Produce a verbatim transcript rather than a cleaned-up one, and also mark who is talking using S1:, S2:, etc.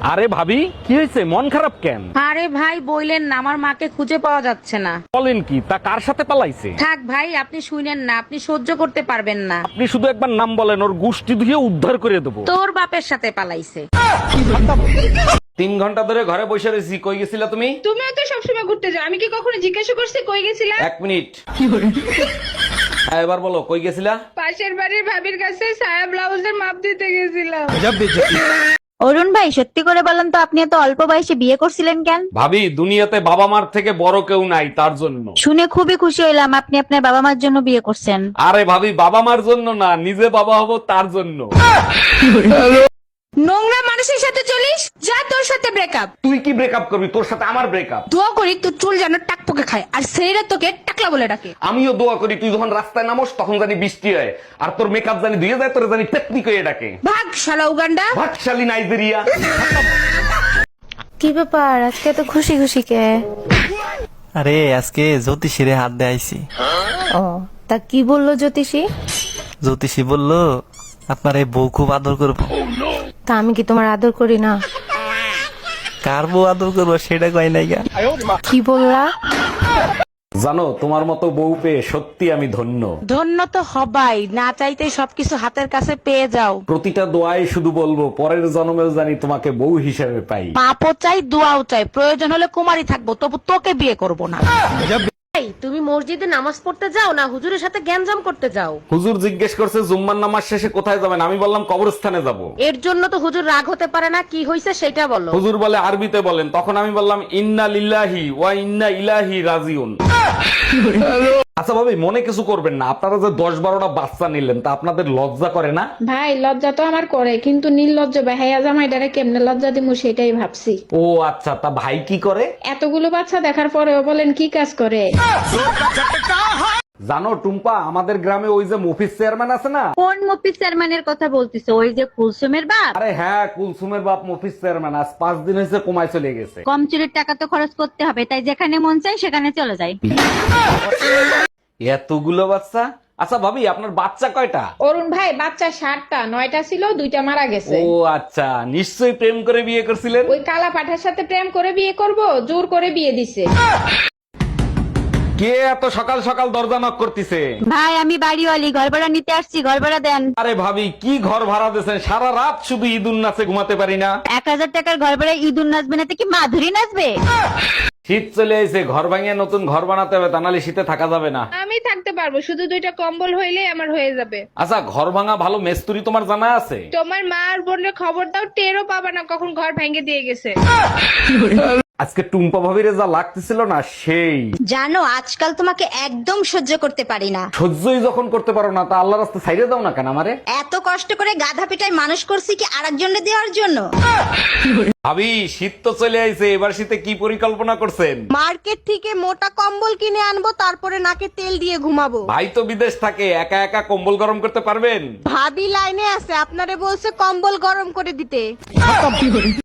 S1: আরে ভাবি, কি হয়েছে? মন খারাপ কেন?
S2: আরে ভাই বইলেন না, আমার মাকে খুঁজে পাওয়া যাচ্ছে না।
S1: বলেন কি? তা কার সাথে পালাইছে?
S2: থাক ভাই, আপনি শুনেন না, আপনি সহ্য করতে পারবেন না।
S1: আপনি শুধু একবার নাম বলেন, ওর গুষ্টি ধুয়ে উদ্ধার করে দেবো।
S2: তোর বাপের সাথে পালাইছে।
S1: তিন ঘন্টা ধরে ঘরে বসে রয়েছি, কই গেছিলা তুমি?
S3: তুমিও তো সবসময় ঘুরতে যাও, আমি কি কখনো জিজ্ঞাসা করছি কই গেছিলা?
S1: এক মিনিট। হ্যাঁ, এবার বলো কই গেছিলা?
S3: পাশের বাড়ির ভাবির কাছে সায়া ব্লাউজের মাপ দিতে গেছিলাম।
S4: অরুণ ভাই, সত্যি করে বলেন তো, আপনি এত অল্প বয়সে বিয়ে করছিলেন কেন?
S1: ভাবি, দুনিয়াতে বাবা মার থেকে বড় কেউ নাই, তার জন্য।
S4: শুনে খুবই খুশি হইলাম আপনি আপনার বাবা মার জন্য বিয়ে করছেন।
S1: আরে ভাবি, বাবা মার জন্য না, নিজে বাবা হব তার জন্য।
S3: নোংরা মানুষের সাথে চলিস, যা তোর সাথে ব্রেকআপ।
S1: তুই কি ব্রেকআপ করবি? তোর সাথে আমার ব্রেকআপ।
S3: দোয়া করি তোর চুল যেন টাকপোকে খায়, আর ছেলেরা তোকে টাকলা বলে ডাকে।
S1: আমিও দোয়া করি তুই যখন রাস্তায় নামোস তখন জানি বৃষ্টি হয়, আর তোর মেকআপ জানি ধুয়ে যায়, তোর জানি পেতনি কয়ে ডাকে।
S3: ভাগ শালা উগান্ডা।
S1: ভাগশালী নাইজেরিয়া।
S5: কি ব্যাপার, আজকে তো খুশি খুশি কে?
S6: আরে আজকে জ্যোতিষীরে হাত দিয়ে আইছি।
S5: ও, তা কি বললো জ্যোতিষী?
S6: জ্যোতিষী বলল আপনার এই বউ খুব আদর করবো।
S5: তা আমি কি তোমার আদর করি না?
S6: কার বউ আদর করবো সেটা কয় নাই গা।
S5: কি বললা?
S1: জানো, তোমার মতো বউ পেয়ে সত্যি আমি ধন্য।
S2: ধন্য তো হবাই, না চাইতে সবকিছু হাতের কাছে পেয়ে যাও।
S1: প্রতিটা দোয়ায় শুধু বলবো পরের জন্মেও জানি তোমাকে বউ হিসেবে পাই।
S2: পাপও চাই, দোয়াও চাই, প্রয়োজন হলে কুমারী থাকবো, তবু তোকে বিয়ে করব না। তুমি মসজিদে নামাজ পড়তে যাও না হুজুরের সাথে গ্যাঞ্জাম করতে যাও?
S1: হুজুর জিজ্ঞেস করছে জুম্মার নামাজ শেষে কোথায় যাবেন, আমি বললাম কবরস্থানে যাব।
S2: এর জন্য তো হুজুর রাগ হতে পারে না, কি হয়েছে সেটা বলো।
S1: হুজুর বলে আরবিতে বলেন, তখন আমি বললাম ইন্না লিল্লাহি ওয়া ইন্না ইলাইহি রাজিউন। আচ্ছা ভাবি, মনে কিছু করবেন না, আপনারা যে দশ বারোটা বাচ্চা নিলেন তা আপনাদের লজ্জা করে না?
S3: ভাই লজ্জা তো আমার করে, কিন্তু নির্লজ্জ বেহায়া জামাইটারে কেমনে লজ্জা দিমু সেটাই ভাবছি।
S1: ও আচ্ছা, তা ভাই কি করে?
S3: এতগুলো বাচ্চা দেখার পরেও বলেন কি কাজ করে?
S1: জানো টুম্পা, আমাদের গ্রামে ওই যে মফিজ চেয়ারম্যান আছে না?
S4: কোন মফিজ চেয়ারম্যানের কথা বলতিছে? ওই যে কুলসুমের বাপ?
S1: আরে হ্যাঁ, কুলসুমের বাপ মফিজ চেয়ারম্যান আজ পাঁচ দিন হয়েছে কমায় চলে গেছে।
S4: কম চুরির টাকা তো খরচ করতে হবে, তাই যেখানে মন চাই সেখানে চলে যায়।
S1: এতগুলো বাচ্চা? আচ্ছা ভাবি, আপনার বাচ্চা কয়টা?
S3: অরুণ ভাই বাচ্চা ষাটটা, নয়টা ছিল, দুইটা মারা গেছে।
S1: ও আচ্ছা, নিশ্চয়ই প্রেম করে বিয়ে করছিলেন।
S3: ওই কালা পাঠার সাথে প্রেম করে বিয়ে করব, জোর করে বিয়ে দিছে।
S1: কে এত সকাল সকাল দরজা নক করতেছে?
S4: ভাই, আমি বাড়িওয়ালি, ঘর ভাড়া নিতে আসছি, ঘর ভাড়া দেন।
S1: আরে ভাবি, কি ঘর ভাড়া দিয়েছেন? সারা রাত শুধু ঈদুন নাচে ঘুমাতে পারি না।
S4: এক হাজার টাকার ঘর ভাড়া ঈদুন নাচবে না তো কি মাধুরী নাচবে?
S1: শীত চলে এসে, ঘর ভাঙিয়ে নতুন ঘর বানাতে হবে, তা নাহলে শীতে থাকা যাবে না।
S3: আমি থাকতে পারবো, শুধু দুইটা কম্বল হইলেই আমার হয়ে যাবে।
S1: আচ্ছা, ঘর ভাঙা ভালো মেস্তুরি তোমার জানা আছে?
S3: তোমার মা আর বোনের খবর দাও, টেরও পাবা না কখন ঘর ভেঙে দিয়ে গেছে।
S1: আজকে টুম্পা ভাবিরে যা লাগতেছিল না, সেই।
S4: জানো, আজকাল তোমাকে একদম সহ্য করতে পারি না।
S1: সহ্যই যখন করতে পারো না, তা আল্লাহ রাস্তা ছাইড়ে দাও না কেন আমারে?
S4: এত কষ্ট করে গাধা পিটায় মানুষ করছি কি আরেকজনকে দেওয়ার জন্য?
S1: ভাবি, শীত তো চলে আইছে, এবার শীতে কি পরিকল্পনা করছেন?
S7: মার্কেট থেকে মোটা কম্বল কিনে আনবো, তারপরে নাকে তেল দিয়ে ঘুমাবো।
S1: ভাই তো বিদেশ থাকে, একা একা কম্বল গরম করতে পারবেন?
S7: ভাবি লাইনে আছে, আপনারে বলছে কম্বল গরম করে দিতে।